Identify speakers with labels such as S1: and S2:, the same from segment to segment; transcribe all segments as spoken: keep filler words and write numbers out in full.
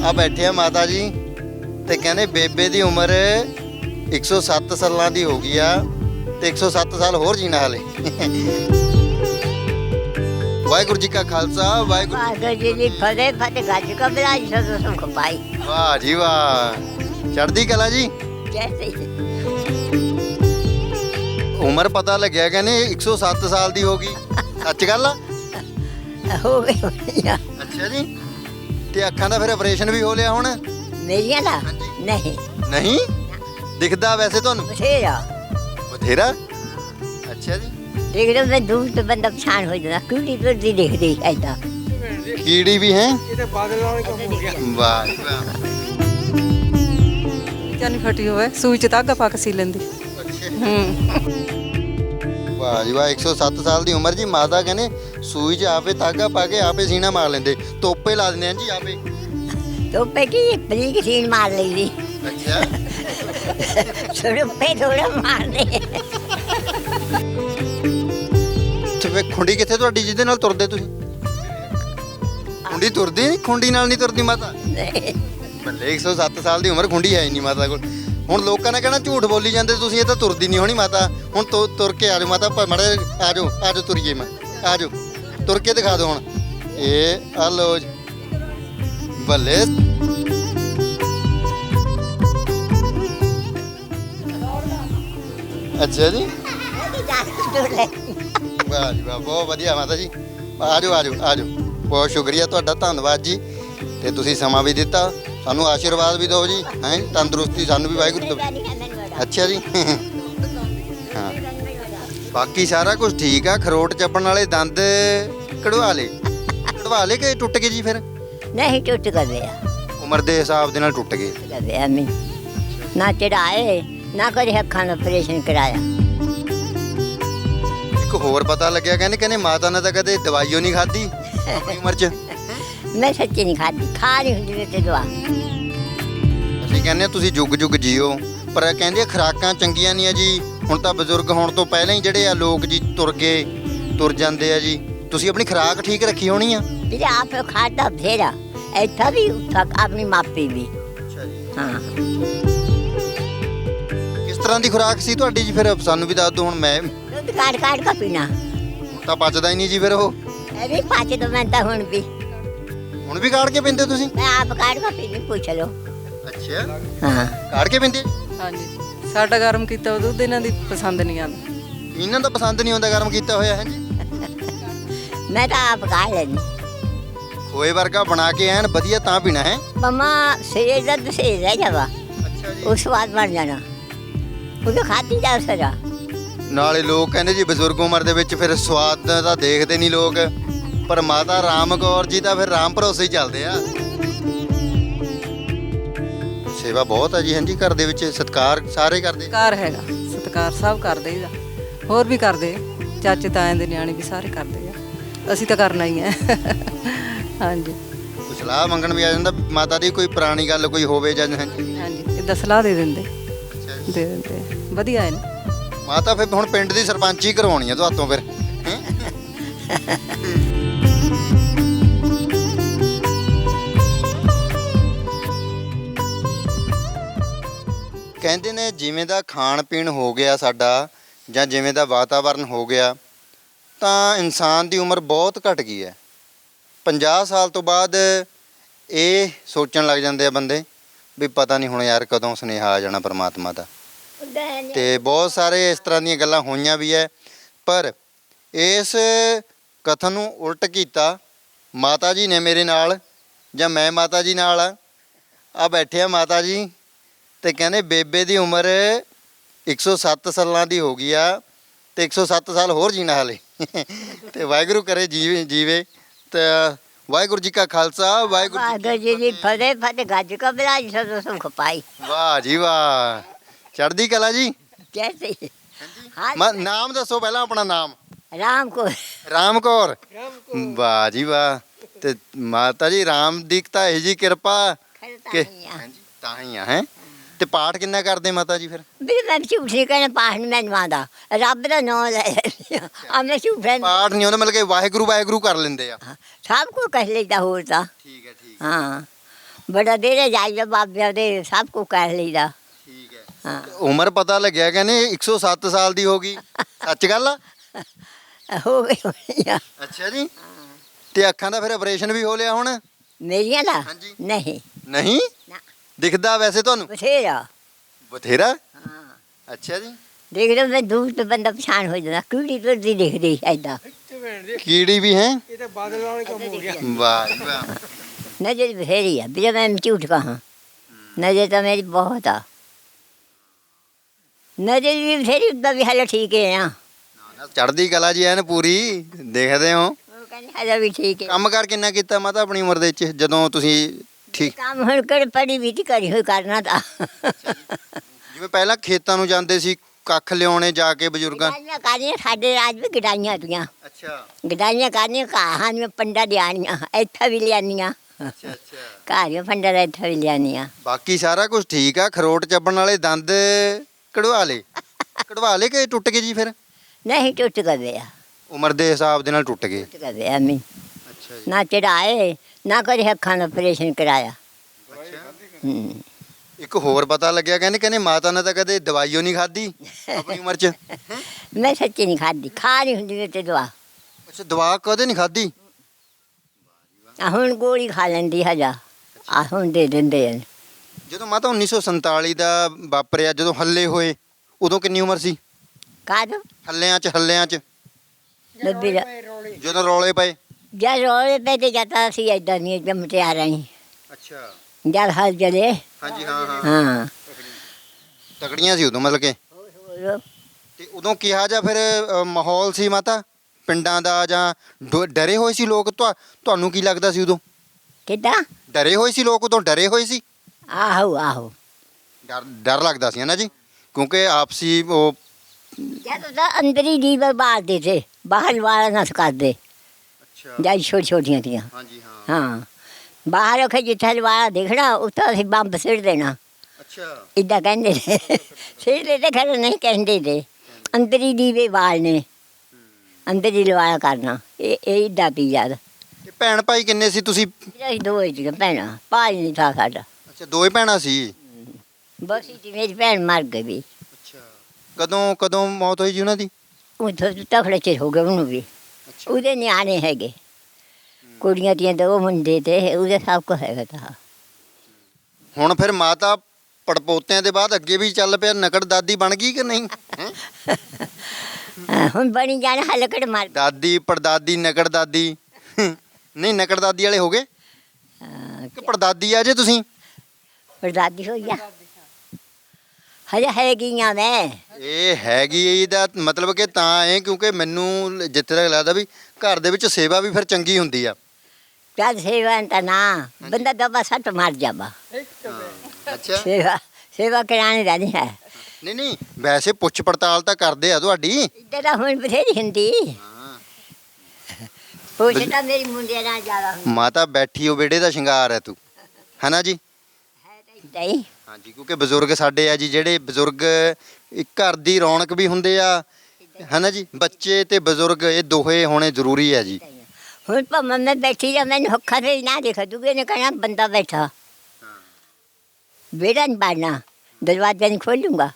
S1: ਆ ਬੈਠੇ ਆ ਮਾਤਾ ਜੀ ਤੇ ਕਹਿੰਦੇ ਬੇਬੇ ਦੀ ਉਮਰ ਇੱਕ ਸੌ ਸੱਤ ਸਾਲਾਂ ਦੀ ਹੋ ਗਈ ਆ ਤੇ ਇੱਕ ਸੌ ਸੱਤ ਸਾਲ ਹੋਰ ਜੀਣਾ ਹਾਲੇ। ਵਾਹਿਗੁਰੂ ਜੀ ਕਾ ਖਾਲਸਾ ਵਾਹਿਗੁਰੂ
S2: ਵਾਹਿਗੁਰੂ ਜੀ ਦੀ ਫਤਿਹ। ਫਤਿਹ ਗੱਜ ਕਬਲਾ ਜੀ ਸੋ ਸੁਖ ਪਾਈ।
S1: ਵਾਹ ਜੀ ਵਾਹ, ਚੜ੍ਹਦੀ ਕਲਾ ਜੀ।
S2: ਜੈਸੇ
S1: ਉਮਰ ਪਤਾ ਲੱਗਿਆ ਕਹਿੰਦੇ ਇੱਕ ਸੌ ਸੱਤ ਸਾਲ ਦੀ ਹੋ ਗਈ, ਸੱਚ ਗੱਲ ਆ?
S2: ਹੋ ਗਈ।
S1: ਅੱਛਾ ਜੀ, ਤੇ ਅੱਖਾਂ ਦਾ ਫਿਰ ਆਪਰੇਸ਼ਨ ਵੀ ਹੋ ਲਿਆ ਹੁਣ?
S2: ਮੇਰੀਆਂ ਦਾ ਨਹੀਂ
S1: ਨਹੀਂ ਦਿਖਦਾ ਵੈਸੇ ਤੁਹਾਨੂੰ
S2: ਬਥੇਰਾ
S1: ਬਥੇਰਾ। ਅੱਛਾ ਜੀ,
S2: ਦੇਖ ਲਓ ਮੈਂ ਦੂਰ ਤੋਂ ਬੰਦਾ ਪਛਾਣ ਹੋ ਜਾਂਦਾ, ਕਿਉਂ ਤੁਰਦੀ ਦਿਖਦੀ ਐਦਾਂ।
S1: ਕੀੜੀ ਵੀ ਹੈ।
S3: ਇਹਦੇ ਬਾਦਲ ਵਾਲੇ ਕੰਮ ਹੋ ਗਿਆ।
S1: ਵਾਹ ਜੀ ਵਾਹ।
S4: ਜਾਨੀ ਫਟੀ ਹੋਵੇ ਸੂਈ ਚ ਧਾਗਾ ਪਾ ਕੇ ਸੀ ਲੈਂਦੀ। ਹੂੰ
S1: ਵਾਹ ਜੀ ਵਾਹ, ਇੱਕ ਸੌ ਸੱਤ ਸਾਲ ਦੀ ਉਮਰ ਜੀ। ਮਾਤਾ ਕਹਿੰਦੇ ਸੂਈ 'ਚ ਆਪੇ ਧਾਗਾ ਪਾ ਕੇ ਆਪੇ ਸੀਨਾ ਮਾਰ ਲੈਂਦੇ, ਤੋਪੇ ਲਾ ਦਿੰਦੇ ਆ ਜੀ ਆਪੇ।
S2: ਤੋਪੇ ਕੀ ਬਰੀਕ ਸੀਨ ਮਾਰ ਲਈਦੀ।
S1: ਅੱਛਾ,
S2: ਛੋੜੇ ਥੋੜਾ ਮਾਰਦੇ।
S1: ਤੇ ਫਿਰ ਖੁੰਡੀ ਕਿੱਥੇ ਤੁਹਾਡੀ ਜਿਹਦੇ ਨਾਲ ਤੁਰਦੇ ਤੁਸੀਂ? ਖੁੰਡੀ ਤੁਰਦੀ ਨਹੀਂ? ਖੁੰਡੀ ਨਾਲ ਨਹੀਂ ਤੁਰਦੀ ਮਾਤਾ? ਬੱਲੇ, ਇੱਕ ਸੌ ਸੱਤ ਸਾਲ ਦੀ ਉਮਰ, ਖੁੰਡੀ ਹੈ ਹੀ ਨਹੀਂ ਮਾਤਾ ਕੋਲ। ਹੁਣ ਲੋਕਾਂ ਨੇ ਕਹਿਣਾ ਝੂਠ ਬੋਲੀ ਜਾਂਦੇ ਤੁਸੀਂ, ਇਹ ਤਾਂ ਤੁਰਦੀ ਨਹੀਂ ਹੋਣੀ ਮਾਤਾ। ਹੁਣ ਤੁ- ਤੁਰ ਕੇ ਆ ਜਾਓ ਮਾਤਾ, ਮੜੇ ਆ ਜਾਓ ਆ ਜਾਓ ਤੁਰੀਏ, ਮੈਂ ਆ ਜਾਓ ਤੁਰ ਕੇ ਦਿਖਾ ਦਿਓ ਹੁਣ। ਇਹ ਆ ਲੋ ਜੀ, ਬੱਲੇ। ਅੱਛਾ ਜੀ, ਵਾਹ ਜੀ ਵਾਹ, ਬਹੁਤ ਵਧੀਆ ਮਾਤਾ ਜੀ। ਆ ਜਾਓ ਆ ਜਾਓ ਆ ਜਾਓ, ਬਹੁਤ ਸ਼ੁਕਰੀਆ ਤੁਹਾਡਾ, ਧੰਨਵਾਦ ਜੀ। ਤੇ ਤੁਸੀਂ ਸਮਾਂ ਵੀ ਦਿੱਤਾ, ਸਾਨੂੰ ਆਸ਼ੀਰਵਾਦ ਵੀ ਦਿਓ ਜੀ, ਹੈ ਤੰਦਰੁਸਤੀ ਸਾਨੂੰ ਵੀ ਵਾਹਿਗੁਰੂ ਦਿਓ। ਅੱਛਾ ਜੀ, ਹਾਂ ਬਾਕੀ ਸਾਰਾ ਕੁਝ ਠੀਕ ਆ। ਖਰੋਟ ਚੱਪਣ ਵਾਲੇ ਦੰਦ ਕਢਵਾ ਲੇ ਕਢਵਾ ਲੇ ਕਿ ਟੁੱਟ ਗਏ ਜੀ? ਫਿਰ
S2: ਨਹੀਂ ਟੁੱਟ ਗਏ ਆ,
S1: ਉਮਰ ਦੇ ਹਿਸਾਬ ਦੇ ਨਾਲ ਟੁੱਟ ਗਏ।
S2: ਗਏ ਆ ਮੈਂ ਨਾ ਚੜਾਏ ਨਾ ਕਦੇ ਅੱਖਾਂ ਦਾ ਆਪਰੇਸ਼ਨ ਕਰਾਇਆ।
S1: ਇੱਕ ਹੋਰ ਪਤਾ ਲੱਗਿਆ, ਕਹਿੰਦੇ ਕਹਿੰਦੇ ਮਾਤਾ ਨੇ ਤਾਂ ਕਦੇ ਦਵਾਈਓ ਨਹੀਂ ਖਾਧੀ ਆਪਣੀ ਉਮਰ 'ਚ।
S2: ਮੈਂ ਸੱਚੀ ਨਹੀਂ ਖਾਦੀ, ਖਾ ਨਹੀਂ ਹੁੰਦੀ ਤੇ ਦਵਾ।
S1: ਅਸੀਂ ਕਹਿੰਦੇ ਤੁਸੀਂ ਜੁਗ ਜੁਗ ਜੀਓ, ਪਰ ਕਹਿੰਦੇ ਖੁਰਾਕਾਂ ਚੰਗੀਆਂ ਨਹੀਂ ਆ ਜੀ। ਹੁਣ ਤਾਂ ਬਜ਼ੁਰਗ ਹੋਣ ਤੋਂ ਪਹਿਲਾਂ ਹੀ ਜਿਹੜੇ ਆ ਲੋਕ ਜੀ ਤੁਰ ਗਏ, ਤੁਰ ਜਾਂਦੇ ਆ ਜੀ। ਤੁਸੀਂ ਆਪਣੀ ਖੁਰਾਕ ਠੀਕ ਰੱਖੀ ਹੋਣੀ ਆ?
S2: ਵੀਰੇ ਆਪ ਖਾਦਾ ਬਥੇਰਾ, ਇੱਥਾ ਵੀ ਉੱਥਾ ਆਪਣੀ ਮਾਪੀ ਵੀ।
S1: ਅੱਛਾ ਜੀ,
S2: ਹਾਂ
S1: ਕਿਸ ਤਰ੍ਹਾਂ ਦੀ ਖੁਰਾਕ ਸੀ ਤੁਹਾਡੀ ਜੀ? ਫਿਰ ਸਾਨੂੰ ਵੀ ਦੱਸ ਦਿਓ। ਹੁਣ ਮੈਂ
S2: ਦੁੱਧ ਕਾੜ ਕਾੜ ਕੇ ਪੀਣਾ,
S1: ਹੁਣ ਤਾਂ ਪਚਦਾ ਹੀ ਨਹੀਂ ਜੀ ਫਿਰ ਉਹ।
S2: ਇਹ ਵੀ ਪਾਚੇ ਤੋਂ ਮੈਂ ਤਾਂ ਹੁਣ ਵੀ
S1: ਹੁਣ ਵੀ ਕਾੜ ਕੇ ਪੀਂਦੇ ਤੁਸੀਂ?
S2: ਮੈਂ ਆਪ ਕਾੜ ਕੇ ਪੀਣੀ, ਪੁੱਛ ਲਓ।
S1: ਅੱਛਾ,
S2: ਹਾਂ
S1: ਕਾੜ ਕੇ ਪੀਂਦੇ?
S4: ਹਾਂਜੀ, ਸਾਡਾ ਗਰਮ ਕੀਤਾ ਦੁੱਧ ਇਹਨਾਂ ਦੀ ਪਸੰਦ ਨਹੀਂ ਆਉਂਦਾ।
S1: ਇਹਨਾਂ ਦਾ ਪਸੰਦ ਨਹੀਂ ਆਉਂਦਾ ਗਰਮ ਕੀਤਾ ਹੋਇਆ ਹੈ ਜੀ।
S2: ਮੈਂ ਤਾਂ ਆਪ ਕਾੜ ਲੈਣੀ।
S1: ਖੋਏ ਵਰਗਾ ਬਣਾ ਕੇ ਐਨ ਵਧੀਆ ਤਾਂ ਪੀਣਾ ਹੈ।
S2: ਮਮਾ ਸੇਜ ਦਾ ਦਸੇ ਰਹਿ ਜਾਵਾ,
S1: ਅੱਛਾ ਜੀ,
S2: ਉਹ ਸਵਾਦ ਬਣ ਜਾਣਾ, ਉਹ ਖਾਦੀ ਜਾ ਸਰਾ।
S1: ਨਾਲੇ ਲੋਕ ਕਹਿੰਦੇ ਜੀ ਬਜ਼ੁਰਗ ਉਮਰ ਦੇ ਵਿੱਚ ਫਿਰ ਸਵਾਦ ਤਾਂ ਦੇਖਦੇ ਨਹੀਂ ਲੋਕ, ਪਰ ਮਾਤਾ ਰਾਮ ਕੌਰ ਜੀ ਤਾਂ ਫਿਰ ਰਾਮ ਭਰੋਸੇ ਹੀ ਚੱਲਦੇ ਆ। ਸੇਵਾ ਬਹੁਤ ਆ ਜੀ। ਹਾਂਜੀ, ਘਰ ਦੇ ਵਿੱਚ ਸਤਿਕਾਰ ਸਾਰੇ ਕਰਦੇ?
S4: ਸਤਿਕਾਰ ਹੈਗਾ, ਸਤਿਕਾਰ ਸਭ ਕਰਦੇ ਇਹਦਾ, ਹੋਰ ਵੀ ਕਰਦੇ, ਚਾਚੇ ਤਾਇਆਂ ਦੇ ਨਿਆਣੇ ਵੀ ਸਾਰੇ ਕਰਦੇ ਆ, ਅਸੀਂ ਤਾਂ ਕਰਨਾ ਹੀ ਹੈ। ਹਾਂਜੀ
S1: ਕੋਈ ਸਲਾਹ ਮੰਗਣ ਵੀ ਆ ਜਾਂਦਾ ਮਾਤਾ ਦੀ, ਕੋਈ ਪੁਰਾਣੀ ਗੱਲ ਕੋਈ ਹੋਵੇ ਜਾਂ? ਹਾਂਜੀ
S4: ਹਾਂਜੀ, ਇੱਦਾਂ ਸਲਾਹ ਦੇ ਦਿੰਦੇ,
S1: ਅੱਛਾ ਜੀ।
S4: ਦੇ ਦਿੰਦੇ ਆ। ਵਧੀਆ ਹੈ ਨਾ।
S1: ਮਾਤਾ ਫਿਰ ਹੁਣ ਪਿੰਡ ਦੀ ਸਰਪੰਚੀ ਕਰਵਾਉਣੀ ਆ ਤੁਹਾਤੋਂ ਫਿਰ, ਹੈਂ? ਕਹਿੰਦੇ ਨੇ ਜਿਵੇਂ ਦਾ ਖਾਣ ਪੀਣ ਹੋ ਗਿਆ ਸਾਡਾ, ਜਾਂ ਜਿਵੇਂ ਦਾ ਵਾਤਾਵਰਨ ਹੋ ਗਿਆ, ਤਾਂ ਇਨਸਾਨ ਦੀ ਉਮਰ ਬਹੁਤ ਘਟ ਗਈ ਹੈ। ਪੰਜਾਹ ਸਾਲ ਤੋਂ ਬਾਅਦ ਇਹ ਸੋਚਣ ਲੱਗ ਜਾਂਦੇ ਆ ਬੰਦੇ ਵੀ ਪਤਾ ਨਹੀਂ ਹੁਣ ਯਾਰ ਕਦੋਂ ਸੁਨੇਹਾ ਆ ਜਾਣਾ ਪਰਮਾਤਮਾ ਦਾ। ਤੇ ਬਹੁਤ ਸਾਰੇ ਇਸ ਤਰ੍ਹਾਂ ਦੀਆਂ ਗੱਲਾਂ ਹੋਈਆਂ ਵੀ ਹੈ, ਪਰ ਇਸ ਕਥਨ ਨੂੰ ਉਲਟ ਕੀਤਾ ਮਾਤਾ ਜੀ ਨੇ ਮੇਰੇ ਨਾਲ, ਜਾਂ ਮੈਂ ਮਾਤਾ ਜੀ ਨਾਲ ਆ। ਆ ਬੈਠੇ ਆ ਮਾਤਾ ਜੀ ਤੇ ਕਹਿੰਦੇ ਬੇਬੇ ਦੀ ਉਮਰ ਇੱਕ ਸੌ ਸੱਤ ਸਾਲਾਂ ਦੀ ਹੋ ਗਈ ਆ ਤੇ ਇੱਕ ਸੌ ਸੱਤ ਸਾਲ ਹੋਰ ਜੀਣਾ ਹਾਲੇ। ਤੇ ਵਾਹਿਗੁਰੂ ਕਰੇ ਜੀਵੇ ਜੀਵੇ ਤੇ ਵਾਹਿਗੁਰੂ ਜੀ ਕਾ ਖਾਲਸਾ ਵਾਹਿਗੁਰੂ
S2: ਵਾਹਿਗੁਰੂ ਜੀ ਦੀ ਫਤਿਹ। ਫਤਿਹ ਗੱਜ ਕਬਲਾ ਜੀ ਸੋ ਸੁਖ ਪਾਈ।
S1: ਵਾਹ ਜੀ ਵਾਹ, ਚੜ੍ਹਦੀ ਕਲਾ ਜੀ।
S2: ਜੈਸੇ
S1: ਮ- ਨਾਮ ਦੱਸੋ ਪਹਿਲਾਂ ਆਪਣਾ ਨਾਮ।
S2: ਰਾਮ ਕੋ
S1: ਰਾਮ ਕੌਰ। ਵਾਹ ਜੀ ਵਾਹ। ਤੇ ਮਾਤਾ ਜੀ ਰਾਮ ਦੀ ਤਾਂ ਇਹ ਜੀ ਕਿਰਪਾ ਕਿ ਹਾਂਜੀ ਤਾਂ ਹੀ ਆ ਹੈ। ਤੇ ਪਾਠ ਕਿੰਨਾ ਕਰਦੇ ਮਾਤਾ ਜੀ ਫਿਰ?
S2: ਵੀ ਮੈਂ ਝੂਠ ਨਹੀਂ ਕਹਿਣਾ, ਪਾਠ ਨਹੀਂ ਮੈਂ ਨਵਾਉਂਦਾ, ਰੱਬ ਦਾ ਨਾਮ ਲੈ ਆ। ਮੈਂ ਝੂਠ ਨਹੀਂ,
S1: ਪਾਠ ਨਹੀਂ ਹੁੰਦਾ, ਮਤਲਬ ਕਿ ਵਾਹਿਗੁਰੂ ਵਾਹਿਗੁਰੂ ਕਰ ਲੈਂਦੇ ਆ।
S2: ਸਭ ਕੁਝ ਕਹਿ ਲਈਦਾ ਹੋਰ ਤਾਂ।
S1: ਠੀਕ ਹੈ ਠੀਕ।
S2: ਹਾਂ ਬੜਾ ਦੇਰੇ ਜਾਈਦਾ ਬਾਬਿਆਂ ਦੇ ਸਭ ਕੁ ਕਹਿ ਲਈਦਾ
S1: ਠੀਕ ਹੈ।
S2: ਹਾਂ
S1: ਉਮਰ ਪਤਾ ਲੱਗਿਆ ਕਹਿੰਦੇ ਇੱਕ ਸੌ ਸੱਤ ਸਾਲ ਦੀ ਹੋ ਗਈ, ਸੱਚ ਗੱਲ ਆ?
S2: ਹੋ ਗਈ ਹੋਣੀ ਆ।
S1: ਅੱਛਾ ਜੀ। ਤੇ ਅੱਖਾਂ ਦਾ ਫਿਰ ਆਪਰੇਸ਼ਨ ਵੀ ਹੋ ਲਿਆ ਹੁਣ?
S2: ਮੇਰੀਆਂ ਦਾ
S1: ਹਾਂਜੀ।
S2: ਨਹੀਂ
S1: ਨਹੀਂ
S2: ਨਾ
S1: ਦਿਖਦਾ ਵੈਸੇ ਤੁਹਾਨੂੰ?
S2: ਬਥੇਰਾ
S1: ਬਥੇਰਾ।
S2: ਹਾਂ
S1: ਅੱਛਾ ਜੀ।
S2: ਦੇਖ ਲਓ ਮੈਂ ਦੂਰ ਤੋਂ ਬੰਦਾ ਪਛਾਣ ਹੋ ਜਾਂਦਾ ਕਿਹੜੀ ਤੁਰਦੀ ਦਿਖਦੀ ਐਦਾਂ
S1: ਕੀੜੀ ਵੀ ਹੈ?
S3: ਇਹ ਤਾਂ ਬਾਦਲ ਵਾਲੇ ਕੰਮ ਹੋ ਗਿਆ।
S1: ਵਾਹ ਜੀ ਵਾਹ।
S2: ਨਜ਼ਰ ਬਥੇਰੀ ਆ ਵੀ ਮੈਂ ਝੂਠ ਕਹਾਂ ਨਜ਼ਰ ਤਾਂ ਮੇਰੀ ਬਹੁਤ ਆ ਨਜ਼ਰ ਵੀ ਬਥੇਰੀ ਉੱਦਾਂ ਵੀ ਹਾਲੇ ਠੀਕ ਹੈ ਆ
S1: ਚੜ੍ਹਦੀ ਕਲਾ ਜੀ ਐਨ ਪੂਰੀ ਦੇਖਦੇ ਹੋ।
S2: ਉਹ ਕਹਿੰਦੇ ਹਾਲੇ ਵੀ ਠੀਕ ਹੈ
S1: ਕੰਮ ਕਰ ਕਿੰਨਾ ਕੀਤਾ ਮਾਤਾ ਆਪਣੀ ਉਮਰ ਦੇ ਵਿੱਚ ਜਦੋਂ ਤੁਸੀਂ ਠੀਕ?
S2: ਕੰਮ ਹੁਣ ਕਰ ਪੜੀ ਵੀ ਤੀ ਕਰੀ ਹੋਈ ਕਰਨਾ ਤਾਂ
S1: ਜਿਵੇਂ ਪਹਿਲਾਂ ਖੇਤਾਂ ਨੂੰ ਜਾਂਦੇ ਸੀ ਕੱਖ ਲਿਆਉਣੇ ਜਾ ਕੇ ਬਜ਼ੁਰਗਾਂ?
S2: ਗਡਾਈਆਂ ਕਰਨੀਆਂ ਸਾਡੇ ਰਾਜ ਵੀ ਗਡਾਈਆਂ ਤੀਆਂ
S1: ਅੱਛਾ
S2: ਗਡਾਈਆਂ ਕਰਨੀਆਂ ਘਾਹਾਂ ਦੀਆਂ ਪੰਡਾ ਲਿਆਣੀਆਂ ਇੱਥੇ ਵੀ ਲਿਆਨੀਆਂ
S1: ਅੱਛਾ ਅੱਛਾ।
S2: ਘਰ ਦੀਆਂ ਪੰਡਾ ਦਾ ਇੱਥੇ ਵੀ ਲਿਆਨੀਆਂ
S1: ਬਾਕੀ ਸਾਰਾ ਕੁਝ ਠੀਕ ਆ, ਖਰੋਟ ਚੱਬਣ ਵਾਲੇ ਦੰਦ ਕਢਵਾ ਲੇ ਕਢਵਾ ਲੇ ਕਿ ਟੁੱਟ ਗਏ ਜੀ ਫਿਰ?
S2: ਨਹੀਂ ਟੁੱਟ ਗਏ ਆ
S1: ਉਮਰ ਦੇ ਹਿਸਾਬ ਦੇ ਨਾਲ ਟੁੱਟ ਗਏ।
S2: ਟੁੱਟ ਗਏ ਆ ਮੈਂ
S1: ਅੱਛਾ ਜੀ।
S2: ਨਾ ਚੜਾਏ ਨਾ ਕਦੇ ਅੱਖਾਂ ਦਾ ਆਪਰੇਸ਼ਨ ਕਰਾਇਆ
S1: ਅੱਛਾ।
S2: ਹੂੰ
S1: ਇੱਕ ਹੋਰ ਪਤਾ ਲੱਗਿਆ ਕਹਿੰਦੇ ਕਹਿੰਦੇ ਮਾਤਾ ਨੇ ਤਾਂ ਕਦੇ ਦਵਾਈਓ ਨਹੀਂ ਖਾਧੀ ਆਪਣੀ ਉਮਰ 'ਚ?
S2: ਮੈਂ ਸੱਚੀ ਨਹੀਂ ਖਾਦੀ ਖਾ ਨਹੀਂ ਹੁੰਦੀ ਮੇਰੇ ਤੇ ਦਵਾ
S1: ਅੱਛਾ ਦਵਾ ਕਦੇ ਨਹੀਂ ਖਾਧੀ?
S2: ਆ ਹੁਣ ਗੋਲੀ ਖਾ ਲੈਂਦੀ ਹਜਾ ਆ ਹੁਣ ਦੇ ਦਿੰਦੇ ਆ
S1: ਜਦੋਂ ਮਾਤਾ ਉੱਨੀ ਸੌ ਸੰਤਾਲੀ ਦਾ ਵਾਪਰਿਆ ਜਦੋਂ ਹੱਲੇ ਹੋਏ ਉਦੋਂ ਕਿੰਨੀ ਉਮਰ ਸੀ?
S2: ਕਾਦ
S1: ਹੱਲਿਆਂ 'ਚ ਹੱਲਿਆਂ 'ਚ
S2: ਨੱਬੀ ਦਾ
S1: ਜਦੋਂ ਰੌਲੇ ਪਏ?
S2: ਜਦ ਰੋਲੇ ਪੈ ਤੇ ਜਾਂਦਾ ਸੀ ਏਦਾਂ ਨਹੀਂ ਜੰਮਤੇ ਆ ਰਹੀ
S1: ਅੱਛਾ।
S2: ਜਦ ਹਲ ਜਲੇ
S1: ਹਾਂਜੀ ਹਾਂ ਹਾਂ
S2: ਹਾਂ
S1: ਤਕੜੀਆਂ ਸੀ ਉਦੋਂ ਮਤਲਬ ਕਿ।
S2: ਹੋਰ
S1: ਤੇ ਉਦੋਂ ਕਿਹਾ ਜਾਂ ਫਿਰ ਅ, ਮਾਹੌਲ ਸੀ ਮਾਤਾ ਪਿੰਡਾਂ ਦਾ ਜਾਂ ਡੋ- ਡਰੇ ਹੋਏ ਸੀ ਲੋਕ? ਤੁਹਾ- ਤੁਹਾਨੂੰ ਕੀ ਲੱਗਦਾ ਸੀ ਉਦੋਂ?
S2: ਕਿੱਦਾਂ
S1: ਡਰੇ ਹੋਏ ਸੀ ਲੋਕ ਉਦੋਂ? ਡਰੇ ਹੋਏ ਸੀ?
S2: ਆਹੋ ਆਹੋ
S1: ਡਰ ਡਰ ਲੱਗਦਾ ਸੀ ਨਾ ਜੀ ਕਿਉਂਕਿ ਆਪਸੀ ਉਹ।
S2: ਜਦ ਤਾਂ ਅੰਦਰ ਹੀ ਜੀਵ ਬਾਲਦੇ ਥੇ ਬਾਹਰ ਵਾਲਾ ਨਾ ਕਰਦੇ
S1: ਅੱਛਾ।
S2: ਜਦ ਛੋਟੀ ਛੋਟੀਆਂ ਤੀਆਂ
S1: ਹਾਂਜੀ ਹਾਂ।
S2: ਹਾਂ ਬਾਹਰ ਉਹ ਜਿੱਥੇ ਵਾਲਾ ਦੇਖਣਾ ਉੱਥੇ ਅਸੀਂ ਬੰਬ ਸਿੱਟ ਦੇਣਾ
S1: ਅੱਛਾ।
S2: ਇਦਾਂ ਕਹਿੰਦੇ ਨੇ ਸਿੱਟ ਦੇ ਤੇ ਖਰ ਨਹੀਂ ਕਹਿੰਦੇ ਤੇ ਅੰਦਰ ਹੀ ਦੀਵੇ ਬਾਲਨੇ ਅੰਦਰ ਹੀ ਲਵਾਇਆ ਕਰਨਾ ਇਹ ਇਹ ਇਦਾਂ ਤੀ ਯਾਰ
S1: ਤੇ ਭੈਣ ਭਾਈ ਕਿੰਨੇ ਸੀ ਤੁਸੀਂ?
S2: ਅਸੀਂ ਦੋ ਹੀ ਭੈਣਾਂ ਭਾਈ ਨਹੀਂ ਥਾ ਸਾਡਾ
S1: ਅੱਛਾ ਦੋਏ ਭੈਣਾਂ ਸੀ।
S2: ਬਸ ਹੀ ਮੇਰੀ ਭੈਣ ਮਰ ਗਈ ਵੀ
S1: ਅੱਛਾ। ਕਦੋਂ ਕਦੋਂ ਮੌਤ ਹੋਈ ਜੀ ਉਹਨਾਂ ਦੀ?
S2: ਉੱਥੋਂ ਤਫੜੇ ਚ ਹੋ ਗਏ ਉਹਨੂੰ ਵੀ
S1: ਅੱਛਾ।
S2: ਉਹਦੇ ਨਿਆਣੇ ਹੈਗੇ ਕੁੜੀਆਂ ਦੀਆਂ ਦੋ ਮੁੰਡੇ ਤੇ ਉਹਦੇ ਸਭ ਕੁਛ ਹੈਗਾ ਤਾਂ
S1: ਹੁਣ ਫਿਰ ਮਾਤਾ ਪੜਪੋਤਿਆਂ ਦੇ ਬਾਅਦ ਅੱਗੇ ਵੀ ਚੱਲ ਪਿਆ ਨਕੜ ਦਾਦੀ ਬਣ ਗਈ ਕਿ ਨਹੀਂ? ਹੈਂ?
S2: ਹਾਂ, ਹੁਣ ਬਣੀ ਜਾਣਾ ਹਲਕੜ ਮਾਰ
S1: ਦਾਦੀ ਪੜਦਾਦੀ ਨਕੜ ਦਾਦੀ ਨਹੀਂ ਨਕੜ ਦਾਦੀ ਵਾਲੇ ਹੋ ਗਏ
S2: ਹਾਂ,
S1: ਕਿ ਪੜਦਾਦੀ ਆ ਜੇ ਤੁਸੀਂ?
S2: ਪੜਦਾਦੀ ਹੋਈ ਆ ਹਜੇ ਹੈਗੀਆਂ ਮੈਂ
S1: ਇਹ ਹੈਗੀ ਇਹਦਾ ਮਤਲਬ ਕਿ ਤਾਂ ਹੈ ਕਿਉਂਕਿ ਮੈਨੂੰ ਜਿੱਥੇ ਤੱਕ ਲੱਗਦਾ ਵੀ ਘਰ ਦੇ ਵਿੱਚ ਸੇਵਾ ਵੀ ਫਿਰ ਚੰਗੀ ਹੁੰਦੀ ਆ।
S2: ਜਦ ਸੇਵਾ ਤਾਂ ਨਾ ਬੰਦਾ ਦਬਾ ਸੱਟ ਮਾਰ ਜਾਵਾ
S1: ਅੱਛਾ।
S2: ਸੇਵਾ ਸੇਵਾ ਕਰਾਣੇ ਦਾ ਨਹੀਂ ਹੈ
S1: ਨਹੀਂ ਨਹੀਂ ਵੈਸੇ ਪੁੱਛ ਪੜਤਾਲ ਤਾਂ ਕਰਦੇ ਆ ਤੁਹਾਡੀ।
S2: ਇੱਦਾਂ ਤਾਂ ਹੁਣ ਬਥੇਰੀ ਹੁੰਦੀ
S1: ਹਾਂ।
S2: ਪੁੱਛ ਤਾਂ ਮੇਰੀ ਮੁੰਡੇ ਨਾਲ ਜ਼ਿਆਦਾ ਹੁੰਦੀ
S1: ਮਾਤਾ ਬੈਠੀ ਉਹ ਵਿਹੜੇ ਦਾ ਸ਼ਿੰਗਾਰ ਹੈ ਤੂੰ ਹਨਾ ਜੀ?
S2: ਹੈ ਤਾਂ ਇੱਦਾਂ ਹੀ
S1: ਹਾਂਜੀ ਕਿਉਂਕਿ ਬਜ਼ੁਰਗ ਸਾਡੇ ਆ ਜੀ ਜਿਹੜੇ ਬਜ਼ੁਰਗ ਇੱਕ ਘਰ ਦੀ ਰੌਣਕ ਵੀ ਹੁੰਦੇ ਆ ਹਨਾ ਜੀ। ਬੱਚੇ ਤੇ ਬਜ਼ੁਰਗ ਇਹ ਦੋਹੇ ਹੋਣੇ ਜ਼ਰੂਰੀ ਹੈ ਜੀ।
S2: ਹੁਣ ਭਾਵੇਂ ਮੈਂ ਬੈਠੀ ਜਾਂ ਮੈਨੂੰ ਅੱਖਾਂ ਤੇ ਨਾ ਦੇਖਾ ਦੂਗੇ ਨੇ ਕਹਿਣਾ ਬੰਦਾ ਬੈਠਾ ਵਿਹੜਾ ਨਹੀਂ ਬਾੜਨਾ ਦਰਵਾਜ਼ਾ ਨਹੀਂ ਖੋਲੂੰਗਾ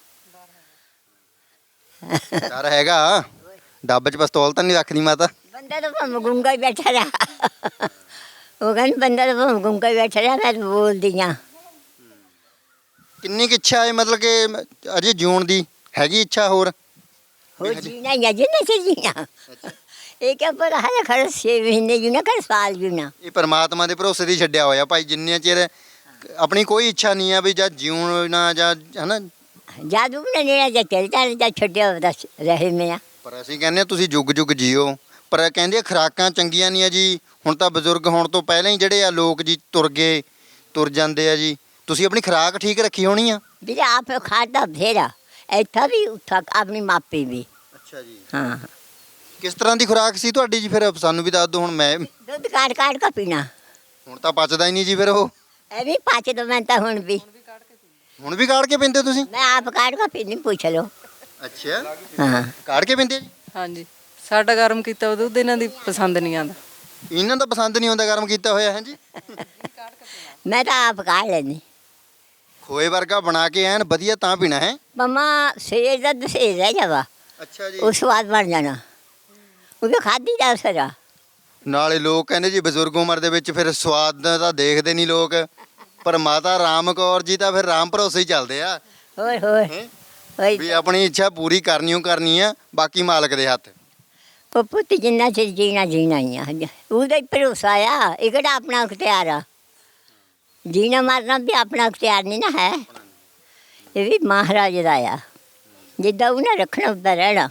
S1: ਡਰ ਹੈਗਾ ਡੱਬ 'ਚ ਪਿਸਤੌਲ ਤਾਂ ਨਹੀਂ ਰੱਖਣੀ ਮਾਤਾ?
S2: ਬੰਦਾ ਤਾਂ ਭਾਵੇਂ ਗੁੰਗਾ ਹੀ ਬੈਠਾ ਰਿਹਾ ਉਹ ਕਹਿੰਦੇ ਬੰਦਾ ਤਾਂ ਭਾਵੇਂ ਗੁੰਗਾ ਹੀ ਬੈਠਾ ਰਿਹਾ ਮੈਂ ਤਾਂ ਬੋਲਦੀ ਹਾਂ
S1: ਕਿੰਨੀ ਕੁ ਇੱਛਾ ਹੈ ਮਤਲਬ ਕਿ ਅਜੇ ਜਿਉਣ ਦੀ ਹੈਗੀ ਇੱਛਾ ਹੋਰ?
S2: ਹੋ ਜੀਣਾ ਜਾਂ ਜਿੰਨਾ ਚ ਜੀਣਾ ਇਹ ਕਿਆ ਪਰ ਹਰ ਖਰ ਛੇ ਮਹੀਨੇ ਜੀਣਾ ਕਰ ਸਾਲ ਜੀਣਾ
S1: ਇਹ ਪਰਮਾਤਮਾ ਦੇ ਭਰੋਸੇ ਦੀ ਛੱਡਿਆ ਹੋਇਆ ਭਾਈ ਜਿੰਨੇ ਚਿਰ ਆਪਣੀ ਕੋਈ ਇੱਛਾ ਨਹੀਂ ਆ ਵੀ ਜਾਂ ਜਿਉਣਾ ਜਾਂ ਹਨਾ।
S2: ਜਾਦੂ ਨੇ ਨੇੜਾ ਜਾਂ ਚੱਲ ਚੱਲ ਜਾਂ ਛੱਡਿਆ ਦੱਸ ਰਹੇ ਮੈਂ
S1: ਪਰ ਅਸੀਂ ਕਹਿੰਦੇ ਹਾਂ ਤੁਸੀਂ ਜੁਗ ਜੁਗ ਜੀਓ ਪਰ ਕਹਿੰਦੇ ਆ ਖੁਰਾਕਾਂ ਚੰਗੀਆਂ ਨਹੀਂ ਆ ਜੀ। ਹੁਣ ਤਾਂ ਬਜ਼ੁਰਗ ਹੋਣ ਤੋਂ ਪਹਿਲਾਂ ਹੀ ਜਿਹੜੇ ਆ ਲੋਕ ਜੀ ਤੁਰ ਗਏ ਤੁਰ ਜਾਂਦੇ ਆ ਜੀ। ਤੁਸੀਂ ਆਪਣੀ ਖੁਰਾਕ ਠੀਕ ਰੱਖੀ ਹੋਣੀ ਆ?
S2: ਵੀਰੇ ਆਪ ਖਾਦਾ ਫੇਰਾ ਇੱਥਾ ਵੀ ਉੱਥਾ ਆਪਣੀ ਮਾਪੀ ਵੀ
S1: ਅੱਛਾ ਜੀ।
S2: ਹਾਂ
S1: ਕਿਸ ਤਰ੍ਹਾਂ ਦੀ ਖੁਰਾਕ ਸੀ ਤੁਹਾਡੀ ਜੀ ਫਿਰ ਸਾਨੂੰ ਵੀ ਦੱਸ ਦਿਓ। ਹੁਣ ਮੈਂ
S2: ਦੁੱਧ ਕਾੜ ਕਾੜ ਕੇ ਪੀਣਾ
S1: ਹੁਣ ਤਾਂ ਪਚਦਾ ਹੀ ਨਹੀਂ ਜੀ ਫਿਰ ਉਹ।
S2: ਇਹ ਵੀ ਪਾਚ ਦੋ ਮੈਂ ਤਾਂ ਹੁਣ ਵੀ
S1: ਹੁਣ ਵੀ ਕਾੜ ਕੇ ਪੀਂਦੇ ਹੋ ਤੁਸੀਂ?
S2: ਮੈਂ ਆਪ ਕਾੜ ਕੇ ਪੀਣੀ ਪੁੱਛ ਲਓ
S1: ਅੱਛਾ
S2: ਹਾਂ
S1: ਕਾੜ ਕੇ ਪੀਂਦੇ ਆ ਜੀ?
S4: ਹਾਂਜੀ ਸਾਡਾ ਗਰਮ ਕੀਤਾ ਦੁੱਧ ਇਹਨਾਂ ਦੀ ਪਸੰਦ ਨਹੀਂ ਆਉਂਦਾ।
S1: ਇਹਨਾਂ ਦਾ ਪਸੰਦ ਨਹੀਂ ਆਉਂਦਾ ਗਰਮ ਕੀਤਾ ਹੋਇਆ ਹੈ ਜੀ।
S2: ਮੈਂ ਤਾਂ ਆਪ ਕਾੜ ਲੈਂਦੀ
S1: ਖੋਏ ਵਰਗਾ ਬਣਾ ਕੇ ਐਨ ਵਧੀਆ ਤਾਂ ਪੀਣਾ ਹੈ।
S2: ਮਮਾ ਸੇਜ ਦਾ ਦਸੇਜ ਰਹਿ ਜਾਵਾ
S1: ਅੱਛਾ ਜੀ।
S2: ਉਹ ਸਵਾਦ ਬਣ ਜਾਣਾ ਉਹ ਖਾਦੀ ਜਾ ਸਰਾ।
S1: ਨਾਲੇ ਲੋਕ ਕਹਿੰਦੇ ਜੀ ਬਜ਼ੁਰਗ ਉਮਰ ਦੇ ਵਿੱਚ ਫਿਰ ਸਵਾਦ ਤਾਂ ਦੇਖਦੇ ਨਹੀਂ ਲੋਕ, ਪਰ ਮਾਤਾ ਰਾਮ ਕੌਰ ਜੀ ਤਾਂ ਫਿਰ ਰਾਮ ਭਰੋਸੇ ਹੀ ਚੱਲਦੇ ਆ
S2: ਹੋਰ ਹੋਰ
S1: ਹੈਂ?
S2: ਹੋਈ
S1: ਵੀ ਆਪਣੀ ਇੱਛਾ ਪੂਰੀ ਕਰਨੀ ਓ ਕਰਨੀ ਆ, ਬਾਕੀ ਮਾਲਕ ਦੇ ਹੱਥ।
S2: ਉਹ ਪੁੱਤ ਜਿੰਨਾ ਚਿਰ ਜੀਣਾ ਜੀਣਾ ਹੀ ਆ ਉਹਦਾ ਹੀ ਭਰੋਸਾ ਆ। ਇਹ ਕਿਹੜਾ ਆਪਣਾ ਅਖਤਿਆਰ ਆ। ਜੀਣਾ ਮਰਨਾ ਵੀ ਆਪਣਾ ਅਖਤਿਆਰ ਨਹੀਂ ਨਾ ਹੈ, ਇਹ ਵੀ ਮਹਾਰਾਜ ਦਾ ਆ। ਜਿੱਦਾਂ ਉਹਨੇ ਰੱਖਣਾ ਉੱਦਾਂ ਰਹਿਣਾ,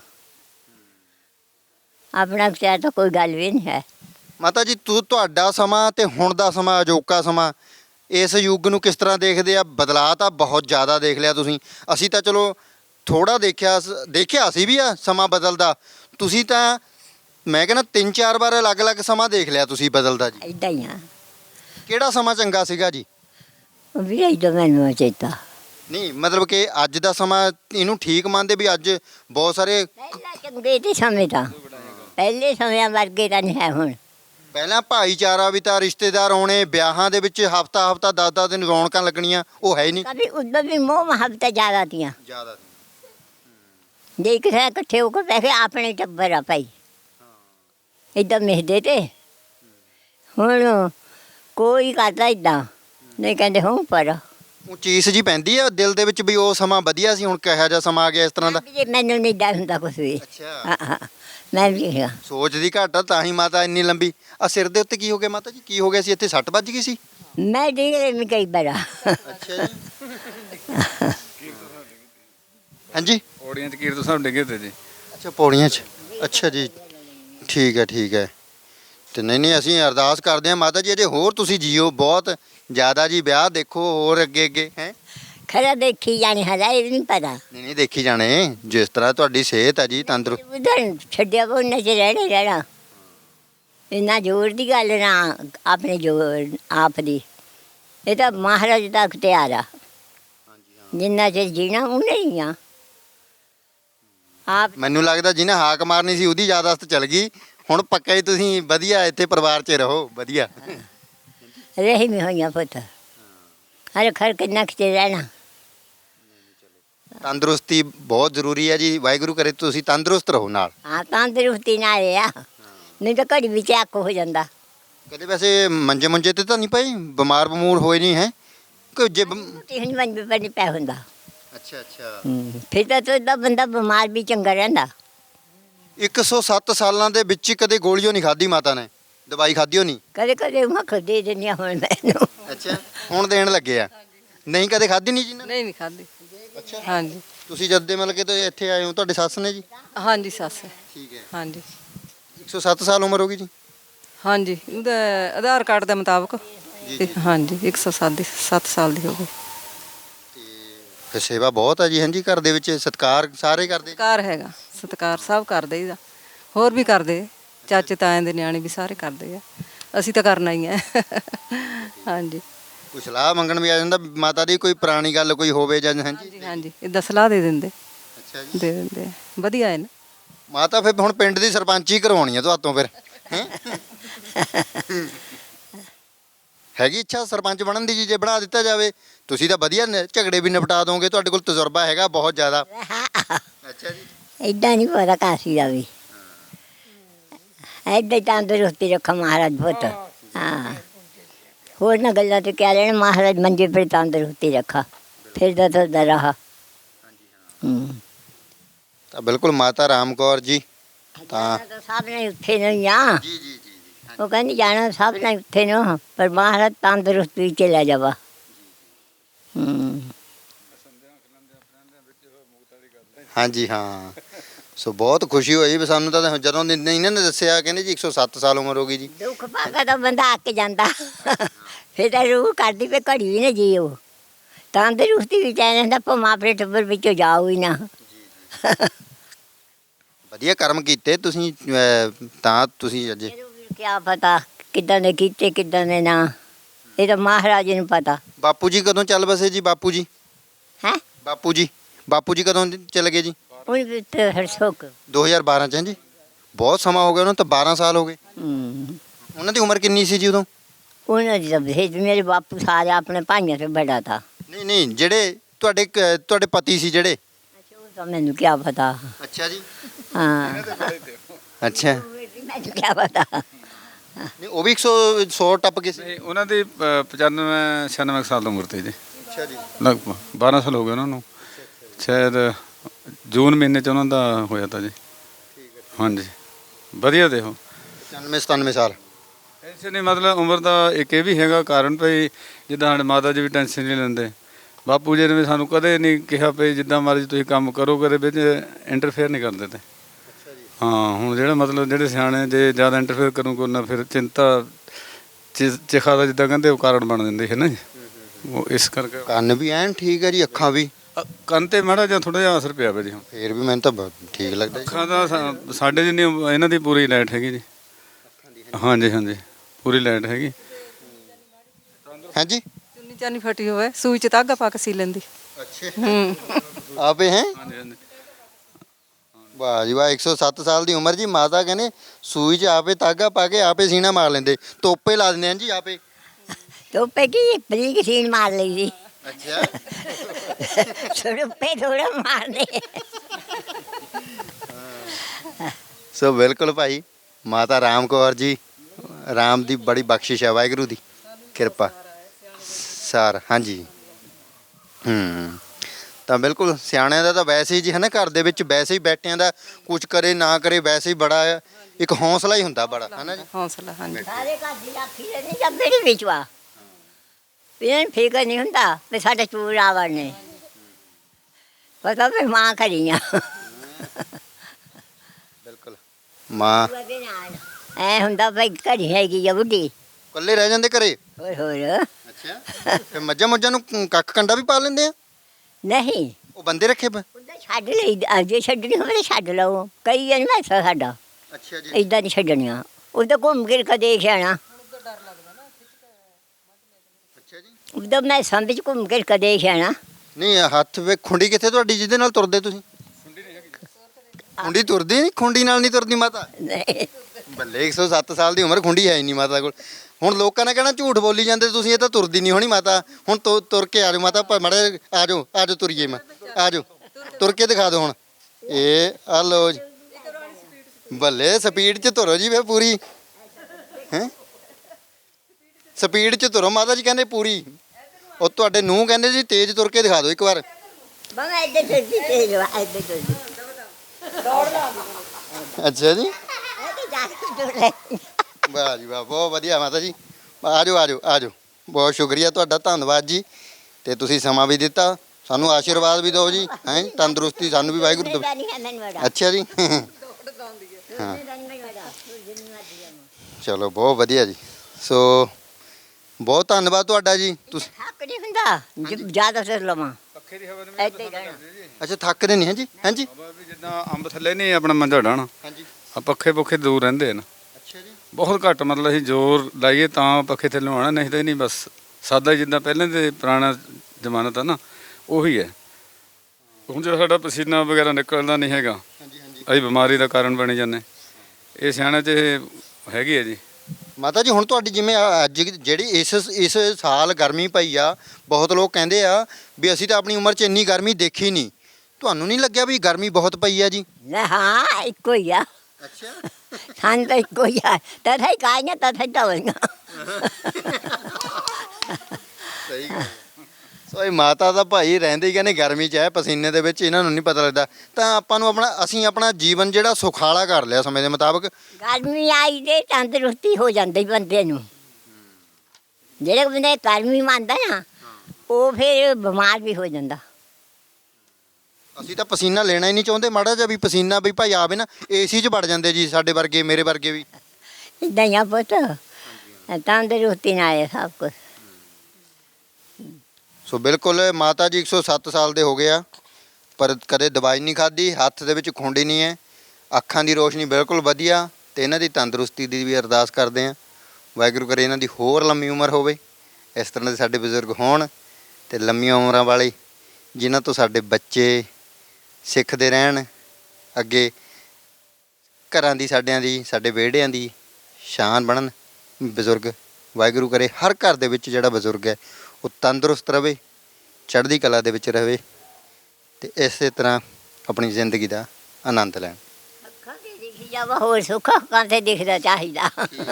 S2: ਆਪਣਾ ਅਖਤਿਆਰ ਤਾਂ ਕੋਈ ਗੱਲ ਵੀ ਨਹੀਂ ਹੈ।
S1: ਮਾਤਾ ਜੀ ਤੂੰ ਤੁਹਾਡਾ ਸਮਾਂ ਤੇ ਹੁਣ ਦਾ ਸਮਾਂ, ਅਜੋਕਾ ਸਮਾਂ, ਇਸ ਯੁੱਗ ਨੂੰ ਕਿਸ ਤਰ੍ਹਾਂ ਦੇਖਦੇ ਆ? ਬਦਲਾਅ ਤਾਂ ਬਹੁਤ ਜ਼ਿਆਦਾ ਦੇਖ ਲਿਆ ਤੁਸੀਂ, ਅਸੀਂ ਤਾਂ ਚਲੋ ਥੋੜਾ ਦੇਖਿਆ ਸ- ਦੇਖਿਆ ਅਸੀਂ ਵੀ ਆ ਸਮਾਂ ਬਦਲਦਾ। ਤੁਸੀਂ ਤਾਂ ਮੈਂ ਕਹਿੰਦਾ ਤਿੰਨ ਚਾਰ ਵਾਰ ਅਲੱਗ-ਅਲੱਗ ਸਮਾਂ ਦੇਖ ਲਿਆ ਤੁਸੀਂ ਬਦਲਦਾ ਜੀ।
S2: ਇੱਦਾਂ ਹੀ ਆ
S1: ਕਿਹੜਾ ਸਮਾਂ ਚੰਗਾ ਸੀਗਾ ਜੀ?
S2: ਉਹ ਵੀ ਇੱਦਾਂ ਮੈਨੂੰ ਚੇਤਾ
S1: ਨਹੀਂ ਮਤਲਬ ਕਿ ਅੱਜ ਦਾ ਸਮਾਂ ਇਹਨੂੰ ਠੀਕ ਮੰਨਦੇ ਵੀ ਅੱਜ ਬਹੁਤ ਸਾਰੇ
S2: ਪਹਿਲਾਂ ਚੰਗੇ ਤੇ ਸਮੇਂ ਤਾਂ ਪਹਿਲੇ ਸਮਿਆਂ ਵਰਗੇ ਤਾਂ ਨਹੀਂ ਹੈ ਹੁਣ।
S1: ਪਹਿਲਾਂ ਭਾਈਚਾਰਾ ਵੀ ਤਾਂ, ਰਿਸ਼ਤੇਦਾਰ ਆਉਣੇ, ਵਿਆਹਾਂ ਦੇ ਵਿੱਚ ਹਫਤਾ ਹਫਤਾ ਦਸ ਦਸ ਦਿਨ ਰੌਣਕਾਂ ਲੱਗਣੀਆਂ, ਉਹ ਹੈ ਹੀ ਨਹੀਂ।
S2: ਕभी उधर भी मोह मुहब्बत ज़्यादा थी।
S1: ਜ਼ਿਆਦਾ
S2: जे एक साथ इकट्ठे होकर बैठे अपने टब्बर आ भाई इदा मिसदे ते हुण कोई करदा इदा नहीं कहते हूँ पर
S1: ਉਹ ਚੀਜ਼ ਜੀ ਪੈਂਦੀ ਆ ਦਿਲ ਦੇ ਵਿੱਚ ਵੀ ਉਹ ਸਮਾਂ ਵਧੀਆ ਸੀ, ਹੁਣ ਕਿਹੋ ਜਿਹਾ ਸਮਾਂ ਆ ਗਿਆ ਇਸ ਤਰ੍ਹਾਂ ਦਾ।
S2: जे मैनू नहीं डर हुंदा कुछ भी।
S1: ਅੱਛਾ
S2: हाँ हाँ मैं भी हाँ।
S1: ਸੋਚ ਦੀ ਘਾਟ ਆ ਤਾਂ ਹੀ ਮਾਤਾ ਇੰਨੀ ਲੰਬੀ। ਆ ਸਿਰ ਦੇ ਉੱਤੇ ਕੀ ਹੋ ਗਿਆ ਮਾਤਾ ਜੀ? ਕੀ ਹੋ ਗਿਆ ਸੀ? ਇੱਥੇ ਸੱਟ ਵੱਜ ਗਈ ਸੀ?
S2: मैं डिग रही कई बार।
S1: ਅੱਛਾ ਜੀ। ਹਾਂਜੀ
S3: ਔੜੀਆਂ ਚ ਕੀਰਤ ਸਾਹਿਬ ਡਿੱਗੇ ਤੇ ਜੀ।
S1: ਅੱਛਾ ਪੌੜੀਆਂ 'ਚ। ਅੱਛਾ ਜੀ ਠੀਕ ਹੈ ਠੀਕ ਹੈ। ਤੇ ਨਹੀਂ ਨਹੀਂ ਅਸੀਂ ਅਰਦਾਸ ਕਰਦੇ ਹਾਂ ਮਾਤਾ ਜੀ ਅਜੇ ਹੋਰ ਤੁਸੀਂ ਜੀਓ ਬਹੁਤ ਜ਼ਿਆਦਾ ਜੀ, ਵਿਆਹ ਦੇਖੋ ਹੋਰ ਅੱਗੇ ਅੱਗੇ ਹੈ।
S2: खरा देखी जानी हरा ये नहीं पता
S1: ਨਹੀਂ ਨਹੀਂ ਦੇਖੀ ਜਾਣੇ, ਜਿਸ ਤਰ੍ਹਾਂ ਤੁਹਾਡੀ ਸਿਹਤ ਹੈ ਜੀ ਤੰਦਰੁਸਤ।
S2: उधर छड्डिया वो उन्ना च रहने रहना इन्ना जोर दी गल ना अपने जोर आप दी। ये तो महाराज दा अख्तियार आ जिन्ना चिर जीना उन्ने ही आ आप।
S1: ਮੈਨੂੰ ਲੱਗਦਾ ਜਿਹਨੇ ਹਾਕ ਮਾਰਨੀ ਸੀ ਉਹਦੀ ਯਾਦਾਸ਼ਤ ਚਲ ਗਈ, ਹੁਣ ਪੱਕਾ ਹੀ ਤੁਸੀਂ ਵਧੀਆ ਇੱਥੇ ਪਰਿਵਾਰ 'ਚ ਰਹੋ ਵਧੀਆ।
S2: रही में होइया पुत हर खर किन्ना खिचे रहना।
S1: ਤੰਦਰੁਸਤੀ ਬਹੁਤ ਜ਼ਰੂਰੀ ਹੈ ਜੀ, ਵਾਹਿਗੁਰੂ ਕਰੇ ਤੁਸੀਂ ਤੰਦਰੁਸਤ ਰਹੋ ਨਾਲ।
S2: हाँ तंदरुस्ती ना आ नहीं तो घड़ी भी चैक हो जाता।
S1: ਕਦੇ ਵੈਸੇ ਮੰਜੇ ਮੁੰਜੇ ਤੇ ਤਾਂ ਨਹੀਂ ਪਏ, ਬਿਮਾਰ ਬਮੂਰ ਹੋਏ ਨਹੀਂ ਹੈ ਕਿ ਜੇ ਬਮ-
S2: रोटी मंज पर नहीं पै होंदा।
S1: ਅੱਛਾ ਅੱਛਾ।
S2: फिर तो इदा बंदा बीमार भी चंगा रहिंदा।
S1: ਇੱਕ ਸੌ ਸੱਤ ਸਾਲਾਂ ਦੇ ਵਿੱਚ ਕਦੇ ਗੋਲੀਓ ਨਹੀਂ ਖਾਧੀ ਮਾਤਾ ਨੇ, ਦਵਾਈ ਖਾਧੀ ਹੋ ਨਹੀਂ?
S2: कदे कदे मख दे दिंदियां हुण मैनू।
S1: ਅੱਛਾ ਹੁਣ ਦੇਣ ਲੱਗੇ ਆ, ਨਹੀਂ ਕਦੇ ਖਾਧੀ ਨਹੀਂ ਜੀ ਇਹਨਾਂ ਨੇ?
S4: ਨਹੀਂ ਨਹੀਂ ਖਾਦੀ।
S1: ਅੱਛਾ
S4: ਹਾਂਜੀ
S1: ਤੁਸੀਂ ਜਦ ਦੇ ਮਤਲਬ ਕਿ ਤੇ ਇੱਥੇ ਆਏ ਹੋ, ਤੁਹਾਡੇ ਸੱਸ ਨੇ ਜੀ?
S4: ਹਾਂਜੀ ਸੱਸ ਹੈ।
S1: ਠੀਕ ਹੈ।
S4: ਹਾਂਜੀ
S1: ਇੱਕ ਸੌ ਸੱਤ ਸਾਲ ਉਮਰ ਹੋ ਗਈ ਜੀ?
S4: ਹਾਂਜੀ ਉਹਦਾ ਆਧਾਰ ਕਾਰਡ ਦੇ ਮੁਤਾਬਕ
S1: ਜੀ।
S4: ਹਾਂਜੀ ਇੱਕ ਸੌ ਸੱਤ ਦੀ ਸੱਤ ਸਾਲ ਦੀ ਹੋ ਗਈ।
S1: ਤੇ ਫਿਰ ਸੇਵਾ ਬਹੁਤ ਹੈ ਜੀ। ਹਾਂਜੀ ਘਰ ਦੇ ਵਿੱਚ ਸਤਿਕਾਰ ਸਾਰੇ ਕਰਦੇ?
S4: ਸਤਿਕਾਰ ਹੈਗਾ, ਸਤਿਕਾਰ ਸਭ ਕਰਦੇ ਇਹਦਾ, ਹੋਰ ਵੀ ਕਰਦੇ, ਚਾਚੇ ਤਾਇਆਂ ਦੇ ਨਿਆਣੇ ਵੀ ਸਾਰੇ ਕਰਦੇ ਆ, ਅਸੀਂ ਤਾਂ ਕਰਨਾ ਹੀ ਹੈ। ਹਾਂਜੀ
S1: ਕੋਈ ਸਲਾਹ ਮੰਗਣ ਵੀ ਆ ਜਾਂਦਾ ਮਾਤਾ ਦੀ, ਕੋਈ ਪੁਰਾਣੀ ਗੱਲ ਕੋਈ ਹੋਵੇ ਜਾਂ? ਹਾਂਜੀ
S4: ਹਾਂਜੀ ਹਾਂਜੀ ਇੱਦਾਂ ਸਲਾਹ ਦੇ ਦਿੰਦੇ,
S1: ਅੱਛਾ ਜੀ।
S4: ਦੇ ਦਿੰਦੇ ਆ। ਵਧੀਆ ਹੈ ਨਾ।
S1: ਮਾਤਾ ਫਿਰ ਹੁਣ ਪਿੰਡ ਦੀ ਸਰਪੰਚੀ ਕਰਵਾਉਣੀ ਹੈ ਤੁਹਾਤੋਂ ਫਿਰ ਹੈਂ? ਹੈਗੀ ਇੱਛਾ ਸਰਪੰਚ ਬਣਨ ਦੀ ਜੀ? ਜੇ ਬਣਾ ਦਿੱਤਾ ਜਾਵੇ ਤੁਸੀਂ ਤਾਂ ਵਧੀਆ ਨ- ਝਗੜੇ ਵੀ ਨਿਪਟਾ ਦੋਗੇ, ਤੁਹਾਡੇ ਕੋਲ ਤਜਰਬਾ ਹੈਗਾ ਬਹੁਤ ਜ਼ਿਆਦਾ। ਅੱਛਾ ਜੀ।
S2: इदा नहीं पता काशी का भी ऐदा तंदुरुस्ती रखा महाराज पुत। हाँ होर ना गल्लां ते क्या लेना, महाराज मंजे पर तंदुरुस्ती रखा फिरदा तुरदा रहा। हम्म
S1: ਤਾਂ ਬਿਲਕੁਲ ਮਾਤਾ ਰਾਮ ਕੌਰ ਜੀ ਤਾਂ
S2: तो सब ने उत्थे नहीं आ
S1: ਜੀ ਜੀ ਜੀ
S2: वो कहनी जाना सब ने उत्थे न पर महाराज तंदुरुस्ती च ले जावा। हम्म
S1: ਹਾਂਜੀ ਹਾਂ। ਸੋ ਬਹੁਤ ਖੁਸ਼ੀ ਹੋਈ ਵੀ ਸਾਨੂੰ ਤਾਂ ਜਦੋਂ ਦੀ ਇਹਨਾਂ ਨੇ ਦੱਸਿਆ, ਕਹਿੰਦੇ ਜੀ ਇੱਕ ਸੌ ਸੱਤ ਸਾਲ ਉਮਰ ਹੋ ਗਈ ਜੀ।
S2: दुख पागा तो बंदा आके जाता फिर तो रूह करती पे घड़ी भी ना जियो तंदुरुस्ती भी चाहता भावें अपने टब्बर पिछों जाओ ही ना।
S1: ਵਧੀਆ ਕਰਮ ਕੀਤੇ ਤੁਸੀਂ ਅਹ, ਤਾਂ ਤੁਸੀਂ ਅੱਜ
S2: क्या पता किदा ने कीते किदा ने ना, ये तो महाराज ਨੂੰ पता
S1: ਬਾਪੂ ਜੀ ਕਦੋਂ ਚੱਲ ਬਸੇ ਜੀ? ਬਾਪੂ ਜੀ
S2: है
S1: ਬਾਪੂ ਜੀ ਬਾਪੂ ਜੀ ਕਦੋਂ ਚਲੇ ਗਏ ਜੀ?
S2: उन भी तो हर सुख।
S1: ਦੋ ਹਜ਼ਾਰ ਬਾਰਾਂ ਚ ਹੈ ਜੀ। ਬਹੁਤ ਸਮਾਂ ਹੋ ਗਿਆ ਉਹਨਾਂ ਨੂੰ ਤਾਂ, ਬਾਰਾਂ ਸਾਲ ਹੋ ਗਏ।
S2: हम्म
S1: ਉਹਨਾਂ ਦੀ ਉਮਰ ਕਿੰਨੀ ਸੀ ਜੀ ਉਦੋਂ?
S2: ਉਹਨਾਂ ਦੀ ਤਾਂ ਬਥੇਰੀ ਮੇਰੇ ਬਾਪੂ ਸਾਰੇ ਆਪਣੇ ਭਾਈਆਂ ਤੋਂ ਬੜਾ ਥਾ।
S1: ਨਹੀਂ ਨਹੀਂ ਜਿਹੜੇ ਤੁਹਾਡੇ ਕ- ਤੁਹਾਡੇ ਪਤੀ ਸੀ ਜਿਹੜੇ।
S2: ਅੱਛਾ ਉਹ ਤਾਂ ਮੈਨੂੰ ਕੀ ਪਤਾ।
S1: ਅੱਛਾ ਜੀ।
S2: ਹਾਂ
S1: ਅੱਛਾ
S2: ਮੈਨੂੰ ਕੀ ਪਤਾ।
S1: ਨਹੀਂ ਉਹ ਵੀ ਇੱਕ ਸੌ ਸੌ ਟੱਪ ਗਏ ਸੀ।
S3: ਨਹੀਂ ਉਹਨਾਂ ਦੀ ਅ, ਪਚਾਨਵੇਂ ਛਿਆਨਵੇਂ ਕੁ ਸਾਲ ਦੀ ਉਮਰ ਤੇ ਜੀ,
S1: ਅੱਛਾ ਜੀ।
S3: ਲਗਭਗ ਬਾਰਾਂ ਸਾਲ ਹੋ ਗਏ ਉਹਨਾਂ ਨੂੰ। ਸ਼ਾਇਦ ਜੂਨ ਮਹੀਨੇ ਚ ਉਹਨਾਂ ਦਾ ਹੋਇਆ ਤਾਂ ਜੀ। ਹਾਂਜੀ ਵਧੀਆ ਦੇਖੋ
S1: ਪਚਾਨਵੇਂ ਸਤਾਨਵੇਂ ਸਾਲ।
S3: ਟੈਨਸ਼ਨ ਨਹੀਂ, ਮਤਲਬ ਉਮਰ ਦਾ ਇੱਕ ਇਹ ਵੀ ਹੈਗਾ ਕਾਰਨ ਭਈ ਜਿੱਦਾਂ ਸਾਡੇ ਮਾਤਾ ਜੀ ਵੀ ਟੈਨਸ਼ਨ ਨਹੀਂ ਲੈਂਦੇ। ਬਾਪੂ ਜੀ ਨੇ ਵੀ ਸਾਨੂੰ ਕਦੇ ਨਹੀਂ ਕਿਹਾ ਭਈ ਜਿੱਦਾਂ ਮਰਜ਼ੀ ਤੁਸੀਂ ਕੰਮ ਕਰੋ, ਕਦੇ ਵਿੱਚ ਇੰਟਰਫੇਅਰ ਨਹੀਂ ਕਰਦੇ ਤੇ। ਹਾਂ ਹੁਣ ਜਿਹੜਾ ਮਤਲਬ ਜਿਹੜੇ ਸਿਆਣੇ ਜੇ ਜ਼ਿਆਦਾ ਇੰਟਰਫੇਅਰ ਕਰੂਗੇ ਉਹਨਾਂ ਫਿਰ ਚਿੰਤਾ ਚਿ- ਚਿਖਾ ਦਾ ਜਿੱਦਾਂ ਕਹਿੰਦੇ ਉਹ ਕਾਰਨ ਬਣ ਜਾਂਦੇ ਹੈ ਨਾ ਜੀ। ਉਹ ਇਸ ਕਰਕੇ
S1: ਕੰਨ ਵੀ ਐਨ ਠੀਕ ਹੈ ਜੀ, ਅੱਖਾਂ ਵੀ।
S3: ਅ, ਕੰਨ ਤੇ ਮਾੜਾ ਜਿਹਾ ਥੋੜਾ ਜਿਹਾ ਅਸਰ ਪਿਆ ਪਿਆ ਜੀ ਹੁਣ।
S1: ਫੇਰ ਵੀ ਮੈਨੂੰ ਤਾਂ ਬਹੁਤ ਠੀਕ ਲੱਗਦਾ ਜੀ।
S3: ਅੱਖਾਂ ਦਾ ਸਾ- ਸਾਡੇ ਜਿੰਨੀ ਉਮ- ਇਹਨਾਂ ਦੀ ਪੂਰੀ ਲਾਈਟ ਹੈਗੀ ਜੀ। ਹਾਂਜੀ ਹਾਂਜੀ ਪੂਰੀ ਲਾਈਟ ਹੈਗੀ।
S1: ਹਾਂਜੀ
S4: ਚੁੰਨੀ ਚਾਨੀ ਫਟੀ ਹੋਵੇ ਸੂਈ ਚ ਧਾਗਾ ਪਾ ਕੇ ਸੀ ਲੈਂਦੀ।
S1: ਅੱਛਾ
S4: ਹੂੰ
S1: ਆਪੇ ਹੈ।
S3: ਹਾਂਜੀ ਹਾਂਜੀ
S1: ਵਾਹ ਜੀ ਵਾਹ, ਇੱਕ ਸੌ ਸੱਤ ਸਾਲ ਦੀ ਉਮਰ ਜੀ। ਮਾਤਾ ਕਹਿੰਦੇ ਸੂਈ 'ਚ ਆਪੇ ਤਾਗਾ ਪਾ ਕੇ ਆਪੇ ਸੀਨਾ ਮਾਰ ਲੈਂਦੇ, ਤੋਪੇ ਲਾ ਦਿੰਦੇ ਹਨ ਜੀ ਆਪੇ।
S2: ਤੋਪੇ ਕੀ ਬਰੀਕ ਸੀਨ ਮਾਰ ਲਈ ਸੀ।
S1: ਅੱਛਾ
S2: ਸਰੂਪੇ ਥੋੜਾ ਮਾਰਨੇ।
S1: ਸੋ ਬਿਲਕੁਲ ਭਾਈ, ਮਾਤਾ ਰਾਮ ਕੌਰ ਜੀ, ਰਾਮ ਦੀ ਬੜੀ ਬਖਸ਼ਿਸ਼ ਹੈ, ਵਾਹਿਗੁਰੂ ਦੀ ਕਿਰਪਾ ਸਾਰ। ਹਾਂਜੀ ਹੂੰ ਤਾਂ ਬਿਲਕੁਲ ਸਿਆਣਿਆਂ ਦਾ ਤਾਂ ਵੈਸੇ ਹੀ ਜੀ ਹੈ ਨਾ, ਘਰ ਦੇ ਵਿੱਚ ਵੈਸੇ ਹੀ ਬੈਠਿਆਂ ਦਾ ਕੁਝ ਕਰੇ ਨਾ ਕਰੇ ਵੈਸੇ ਹੀ ਬੜਾ ਇੱਕ ਹੌਸਲਾ ਹੀ ਹੁੰਦਾ ਬੜਾ, ਹੈ ਨਾ ਜੀ।
S4: ਹੌਸਲਾ ਹਾਂਜੀ।
S2: ਸਾਰੇ ਘਰ ਦੀ ਰਾਖੀ ਦੇ ਨਹੀਂ ਜਾਂ ਮੇਰੇ ਵਿੱਚ ਵਾ ਵੀ ਇਹਨਾਂ ਨੂੰ ਫਿਕਰ ਨਹੀਂ ਹੁੰਦਾ ਵੀ ਸਾਡੇ ਚੂਰ ਆਵਣ ਨੇ ਪਤਾ ਵੀ ਮਾਂ ਕਰੀਆਂ
S1: ਬਿਲਕੁਲ ਮਾਂ
S2: ਐ ਹੁੰਦਾ ਭਾਈ ਘੜੀ ਹੈਗੀ ਆ ਬੁੱਢੀ।
S1: ਇਕੱਲੇ ਰਹਿ ਜਾਂਦੇ ਘਰੇ।
S2: ਹੋਰ ਹੋਰ
S1: ਅੱਛਾ ਫਿਰ ਮੱਝਾਂ ਮੁੱਝਾਂ ਨੂੰ ਕੱਖ ਕੰਡਾ ਵੀ ਪਾ ਲੈਂਦੇ ਆ।
S2: ਨਹੀਂ
S1: ਉਹ ਬੰਦੇ ਰੱਖੇ ਪ-
S2: ਉਹਦਾ ਛੱਡ ਲਈ ਆ, ਜੇ ਛੱਡਣੀ ਹੋਵੇ ਤਾਂ ਛੱਡ ਲਓ। ਕਈ ਵਾਰ ਮੈਂ ਸਾਡਾ
S1: ਅੱਛਾ ਜੀ।
S2: ਇਦਾਂ ਨਹੀਂ ਛੱਡਣੀਆਂ, ਉਹਦਾ ਘੁੰਮ ਕੇ ਕਦੇ ਦੇਖ ਆਣਾ।
S1: ਅੱਛਾ ਜੀ।
S2: ਉਹਦਾ ਮੈਂ ਸੰਦ ਚ ਘੁੰਮ ਕੇ ਕਦੇ ਦੇਖ ਆਣਾ।
S1: ਨਹੀਂ ਹੱਥ ਵੇ ਖੁੰਡੀ ਕਿੱਥੇ ਤੁਹਾਡੀ ਜਿਹਦੇ ਨਾਲ ਤੁਰਦੇ ਤੁਸੀਂ? ਖੁੰਡੀ ਤੁਰਦੀ ਨਹੀਂ, ਖੁੰਡੀ ਨਾਲ ਨਹੀਂ ਤੁਰਦੀ ਮਾਤਾ।
S2: ਨਹੀਂ
S1: ਬੱਲੇ ਇੱਕ ਸੌ ਸੱਤ ਸਾਲ ਦੀ ਉਮਰ, ਖੁੰਡੀ ਹੈ ਹੀ ਨਹੀਂ ਮਾਤਾ ਕੋਲ। ਹੁਣ ਲੋਕਾਂ ਨੇ ਕਹਿਣਾ ਝੂਠ ਬੋਲੀ ਜਾਂਦੇ ਤੁਸੀਂ, ਇਹ ਤਾਂ ਤੁਰਦੀ ਨਹੀਂ ਹੋਣੀ ਮਾਤਾ। ਹੁਣ ਤੁ- ਤੁਰ ਕੇ ਆ ਜਾਓ ਮਾਤਾ, ਮੜੇ ਆ ਜਾਓ ਆ ਜਾਓ ਤੁਰੀਏ ਮੈਂ ਆ ਜਾਓ ਤੁਰ ਕੇ ਦਿਖਾ ਦਿਓ ਹੁਣ। ਇਹ ਆ ਲੋ ਜੀ, ਬੱਲੇ ਸਪੀਡ 'ਚ ਤੁਰੋ ਜੀ ਵੇ ਪੂਰੀ ਹੈ। ਸਪੀਡ 'ਚ ਤੁਰੋ ਮਾਤਾ ਜੀ ਕਹਿੰਦੇ ਪੂਰੀ। ਉਹ ਤੁਹਾਡੇ ਨੂੰਹ ਕਹਿੰਦੇ ਜੀ ਤੇਜ਼ ਤੁਰ ਕੇ ਦਿਖਾ ਦਿਓ ਇੱਕ ਵਾਰ।
S2: ਬਾਬਾ ਇੱਧਰ ਤੁਰਦੀ ਤੇਜ਼ ਵਾ, ਇੱਧਰ ਤੁਰਦੀ
S1: ਅੱਛਾ ਜੀ।
S2: ਇਹ ਤਾਂ ਜਾ ਕੇ ਤੁਰ ਲੈ।
S1: ਵਾਹ ਜੀ ਵਾਹ, ਬਹੁਤ ਵਧੀਆ ਮਾਤਾ ਜੀ। ਆ ਜਾਓ ਆ ਜਾਓ ਆ ਜਾਓ, ਬਹੁਤ ਸ਼ੁਕਰੀਆ ਤੁਹਾਡਾ, ਧੰਨਵਾਦ ਜੀ। ਤੇ ਤੁਸੀਂ ਸਮਾਂ ਵੀ ਦਿੱਤਾ, ਸਾਨੂੰ ਆਸ਼ੀਰਵਾਦ ਵੀ ਦਿਓ ਜੀ, ਹੈ ਤੰਦਰੁਸਤੀ ਸਾਨੂੰ ਵੀ ਵਾਹਿਗੁਰੂ ਦੇਵੇ।
S2: ਨਹੀਂ ਹੈ ਮੈਨੂੰ ਬੜਾ
S1: ਅੱਛਾ ਜੀ ਹਾਂ ਚਲੋ ਬਹੁਤ ਵਧੀਆ ਜੀ। ਸੋ ਬਹੁਤ ਧੰਨਵਾਦ ਤੁਹਾਡਾ ਜੀ। ਤੁਸੀਂ
S2: ਥੱਕ ਨਹੀਂ ਹੁੰਦਾ ਜ- ਜ਼ਿਆਦਾ ਸਿਰ ਲਵਾਂ
S3: ਪੱਖੇ ਦੀ ਹਵਾ ਦੇ
S2: ਏਦਾਂ ਹੀ ਰਹਿਣਾ।
S1: ਅੱਛਾ ਥੱਕਦੇ ਨਹੀਂ ਹੈ ਜੀ? ਹਾਂਜੀ
S3: ਬਾਬਾ ਵੀ ਜਿੱਦਾਂ ਅੰਬ ਥੱਲੇ ਨਹੀਂ ਆਪਣਾ ਮੰਜਾ ਡਾਣਾ,
S1: ਹਾਂਜੀ
S3: ਆ ਪੱਖੇ ਪੁੱਖੇ ਦੂਰ ਰਹਿੰਦੇ ਨੇ
S1: ਅੱਛਾ ਜੀ।
S3: ਬਹੁਤ ਘੱਟ। ਮਤਲਬ ਅਸੀਂ ਜ਼ੋਰ ਲਾਈਏ ਤਾਂ ਪੱਖੇ ਥੱਲੇ ਆਉਣਾ, ਨਹੀਂ ਤਾਂ ਨਹੀਂ ਬਸ ਸਾਦਾ ਹੀ ਜਿੱਦਾਂ ਪਹਿਲਾਂ ਦੇ ਪੁਰਾਣਾ ਜ਼ਮਾਨਾ ਤਾਂ ਨਾ ਉਹੀ ਹੈ। ਹੁਣ ਜਿਹੜਾ ਸਾਡਾ ਪਸੀਨਾ ਵਗੈਰਾ ਨਿਕਲਦਾ ਨਹੀਂ ਹੈਗਾ,
S1: ਹਾਂਜੀ ਹਾਂਜੀ।
S3: ਅਸੀਂ ਬਿਮਾਰੀ ਦਾ ਕਾਰਨ ਬਣੀ ਜਾਂਦੇ। ਇਹ ਸਿਆਣੇ 'ਚ ਇਹ ਹੈਗੀ ਹੈ ਜੀ।
S1: ਮਾਤਾ ਜੀ ਹੁਣ ਤੁਹਾਡੀ ਜਿਵੇਂ ਆ ਅੱਜ ਜਿਹੜੀ ਇਸ ਇਸ ਸਾਲ ਗਰਮੀ ਪਈ ਆ, ਬਹੁਤ ਲੋਕ ਕਹਿੰਦੇ ਆ ਵੀ ਅਸੀਂ ਤਾਂ ਆਪਣੀ ਉਮਰ 'ਚ ਇੰਨੀ ਗਰਮੀ ਦੇਖੀ ਨਹੀਂ। ਤੁਹਾਨੂੰ ਨਹੀਂ ਲੱਗਿਆ ਵੀ ਗਰਮੀ ਬਹੁਤ ਪਈ ਆ ਜੀ?
S2: ਲੈ ਹਾਂ ਇੱਕੋ ਹੀ ਆ
S1: ਅੱਛਾ
S2: ਸਾਨੂੰ ਤਾਂ ਇੱਕੋ ਹੀ ਆ। ਤਥਾ ਹੀ ਕਾਈਆਂ ਤਥਾ ਹੀ ਟਵਲੀਆਂ।
S1: ਸਹੀ ਗੱਲ। ਸੋ ਇਹ ਮਾਤਾ ਦਾ ਭਾਈ ਰਹਿੰਦੇ ਹੀ ਕਹਿੰਦੇ ਗਰਮੀ 'ਚ ਹੈ, ਪਸੀਨੇ ਦੇ ਵਿੱਚ, ਇਹਨਾਂ ਨੂੰ ਨਹੀਂ ਪਤਾ ਲੱਗਦਾ। ਤਾਂ ਆਪਾਂ ਨੂੰ ਆਪਣਾ ਅਸੀਂ ਆਪਣਾ ਜੀਵਨ ਜਿਹੜਾ ਸੁਖਾਲਾ ਕਰ ਲਿਆ ਸਮੇਂ ਦੇ ਮੁਤਾਬਕ।
S2: ਗਰਮੀ ਆਈ ਦੇ ਤੰਦਰੁਸਤੀ ਹੋ ਜਾਂਦੀ ਬੰਦੇ ਨੂੰ। ਜਿਹੜੇ ਬੰਦੇ ਗਰਮੀ ਮੰਨਦਾ ਨਾ ਉਹ ਫਿਰ ਬਿਮਾਰ ਵੀ ਹੋ ਜਾਂਦਾ।
S1: ਅਸੀਂ ਤਾਂ ਪਸੀਨਾ ਲੈਣਾ ਹੀ ਨਹੀਂ ਚਾਹੁੰਦੇ, ਮਾੜਾ ਜਿਹਾ ਵੀ ਪਸੀਨਾ ਵੀ ਭਾਈ ਆਵੇ ਨਾ ਏਸੀ 'ਚ ਵੜ ਜਾਂਦੇ ਜੀ, ਸਾਡੇ ਵਰਗੇ ਮੇਰੇ ਵਰਗੇ ਵੀ।
S2: ਇੱਦਾਂ ਹੀ ਆ ਪੁੱਤ, ਤੰਦਰੁਸਤੀ ਨਾਲ ਹੈ ਸਭ ਕੁਛ।
S1: ਸੋ ਬਿਲਕੁਲ ਮਾਤਾ ਜੀ ਇੱਕ ਸੌ ਸੱਤ ਸਾਲ ਦੇ ਹੋ ਗਏ ਆ, ਪਰ ਕਦੇ ਦਵਾਈ ਨਹੀਂ ਖਾਧੀ, ਹੱਥ ਦੇ ਵਿੱਚ ਖੁੰਡੀ ਨਹੀਂ ਹੈ, ਅੱਖਾਂ ਦੀ ਰੋਸ਼ਨੀ ਬਿਲਕੁਲ ਵਧੀਆ। ਤੇ ਇਹਨਾਂ ਦੀ ਤੰਦਰੁਸਤੀ ਦੀ ਵੀ ਅਰਦਾਸ ਕਰਦੇ ਹਾਂ, ਵਾਹਿਗੁਰੂ ਕਰੇ ਇਹਨਾਂ ਦੀ ਹੋਰ ਲੰਮੀ ਉਮਰ ਹੋਵੇ, ਇਸ ਤਰ੍ਹਾਂ ਦੇ ਸਾਡੇ ਬਜ਼ੁਰਗ ਹੋਣ ਤੇ ਲੰਮੀਆਂ ਉਮਰਾਂ ਵਾਲੇ, ਜਿਨ੍ਹਾਂ ਤੋਂ ਸਾਡੇ ਬੱਚੇ ਸਿੱਖਦੇ ਰਹਿਣ, ਅੱਗੇ ਘਰਾਂ ਦੀ ਸਾਡਿਆਂ ਦੀ ਸਾਡੇ ਵਿਹੜਿਆਂ ਦੀ ਸ਼ਾਨ ਬਣਨ ਬਜ਼ੁਰਗ। ਵਾਹਿਗੁਰੂ ਕਰੇ ਹਰ ਘਰ ਦੇ ਵਿੱਚ ਜਿਹੜਾ ਬਜ਼ੁਰਗ ਹੈ ਉਹ ਤੰਦਰੁਸਤ ਰਵੇ, ਚੜ੍ਹਦੀ ਕਲਾ ਦੇ ਵਿੱਚ ਰਹੇ ਤੇ ਇਸੇ ਤਰ੍ਹਾਂ ਆਪਣੀ ਜ਼ਿੰਦਗੀ ਦਾ ਆਨੰਦ ਲੈਣ।
S2: ਅੱਖਾਂ ਤੇ ਦਿਖ ਜਾਵਾ ਹੋਰ ਸੁੱਖ ਅੱਖਾਂ ਤੇ ਦਿਖਦਾ ਚਾਹੀਦਾ।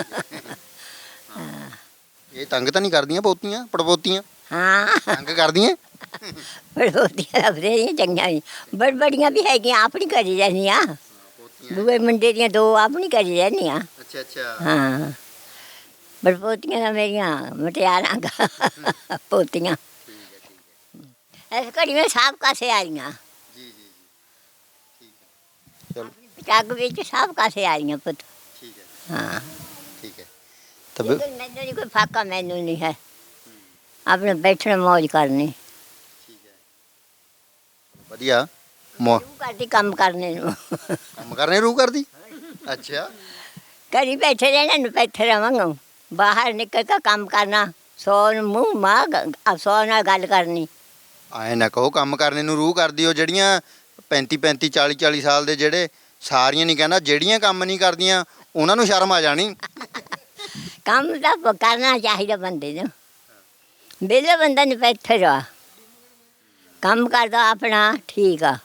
S1: ਇਹ ਤੰਗ ਤਾਂ ਨਹੀਂ ਕਰਦੀਆਂ ਪੋਤੀਆਂ ਪੜਪੋਤੀਆਂ?
S2: ਹਾਂ
S1: ਤੰਗ ਕਰਦੀਆਂ?
S2: ਬੜੋਦੀਆਂ ਲੱਭਦੇ ਚੰਗੀਆਂ ਵੀ ਬੜਬੜੀਆਂ ਵੀ ਹੈਗੀਆਂ ਆਪਣੀ ਕਰੀ ਜਾਂਦੀਆਂ। ਦੂਏ ਮੁੰਡੇ ਦੀਆਂ ਦੋ ਆਪਣੀ ਕਰੀ ਜਾਂਦੀਆਂ।
S1: ਅੱਛਾ ਅੱਛਾ।
S2: ਹਾਂ ਬੜਪੋਤੀਆਂ ਤਾਂ ਮੇਰੀਆਂ ਮਟਿਆਰਾਂ ਗਾ ਪੋਤੀਆਂ। ਇਸ ਘੜੀ ਵਿੱਚ ਸਭ ਕਾਸੇ ਆ ਰਹੀਆਂ।
S1: ਜੀ ਜੀ ਜੀ ਠੀਕ ਹੈ ਚਲੋ
S2: ਚੱਗ ਵਿੱਚ ਸਭ ਕਾਸੇ ਆ ਰਹੀਆਂ ਪੁੱਤ।
S1: ਠੀਕ ਹੈ
S2: ਹਾਂ
S1: ਠੀਕ ਹੈ ਤਾਂ ਬਿਲ-
S2: ਲੇਕਿਨ ਮੈਨੂੰ ਨਹੀਂ ਕੋਈ ਫਾਕਾ ਮੈਨੂੰ ਨਹੀਂ ਹੈ ਆਪਣੇ ਬੈਠਣ ਮौज ਕਰਨੀ।
S1: ਠੀਕ ਹੈ ਵਧੀਆ ਮੋ
S2: ਤੂੰ ਕਰਦੀ ਕੰਮ ਕਰਨੇ ਨੂੰ
S1: ਕੰਮ ਕਰਨੇ ਰੂ ਕਰਦੀ। ਅੱਛਾ
S2: ਘਰੀ ਬੈਠੇ ਰਹਿਣਾ ਨੂੰ ਬੈਠੇ ਰਵਾਂਗਾ ਬਾਹਰ ਨਿਕਲ ਕੇ ਕੰਮ ਕਰਨਾ ਸੌ ਨੂੰ ਮੂੰਹ ਮਾਂ ਸੌ ਨਾਲ ਗੱਲ ਕਰਨੀ।
S1: ਐਂ ਨਾ ਕਹੋ ਕੰਮ ਕਰਨੇ ਨੂੰ ਰੂਹ ਕਰਦੀ। ਉਹ ਜਿਹੜੀਆਂ ਪੈਂਤੀ ਪੈਂਤੀ ਚਾਲੀ ਚਾਲੀ ਸਾਲ ਦੇ ਜਿਹੜੇ ਸਾਰੀਆਂ ਨਹੀਂ ਕਹਿੰਦਾ ਜਿਹੜੀਆਂ ਕੰਮ ਨਹੀਂ ਕਰਦੀਆਂ ਉਹਨਾਂ ਨੂੰ ਸ਼ਰਮ ਆ ਜਾਣੀ।
S2: ਕੰਮ ਤਾਂ ਕਰਨਾ ਚਾਹੀਦਾ ਬੰਦੇ ਨੂੰ। ਵਿਹਲੇ ਬੰਦਾ ਨਹੀਂ ਬੈਠੇ ਰਹਾ ਕੰਮ ਕਰਦਾ ਆਪਣਾ ਠੀਕ ਆ।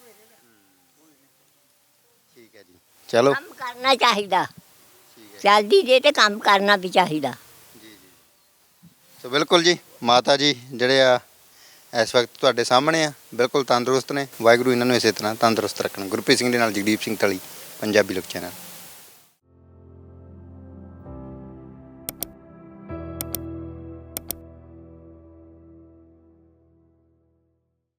S1: ਠੀਕ ਹੈ ਜੀ ਚਲੋ
S2: ਕੰਮ ਕਰਨਾ ਚਾਹੀਦਾ ਚੱਲਦੀ ਜੇ ਤੇ ਕੰਮ ਕਰਨਾ ਵੀ ਚਾਹੀਦਾ।
S1: ਸੋ ਬਿਲਕੁਲ ਜੀ ਮਾਤਾ ਜੀ ਜਿਹੜੇ ਆ ਇਸ ਵਕਤ ਤੁਹਾਡੇ ਸਾਹਮਣੇ ਆ ਬਿਲਕੁਲ ਤੰਦਰੁਸਤ ਨੇ। ਵਾਹਿਗੁਰੂ ਇਹਨਾਂ ਨੂੰ ਇਸੇ ਤਰ੍ਹਾਂ ਤੰਦਰੁਸਤ ਰੱਖਣ। ਗੁਰਪ੍ਰੀਤ ਸਿੰਘ ਦੇ ਨਾਲ ਜਗਦੀਪ ਸਿੰਘ ਤਲੀ, ਪੰਜਾਬੀ ਲੋਕ ਚੈਨਲ।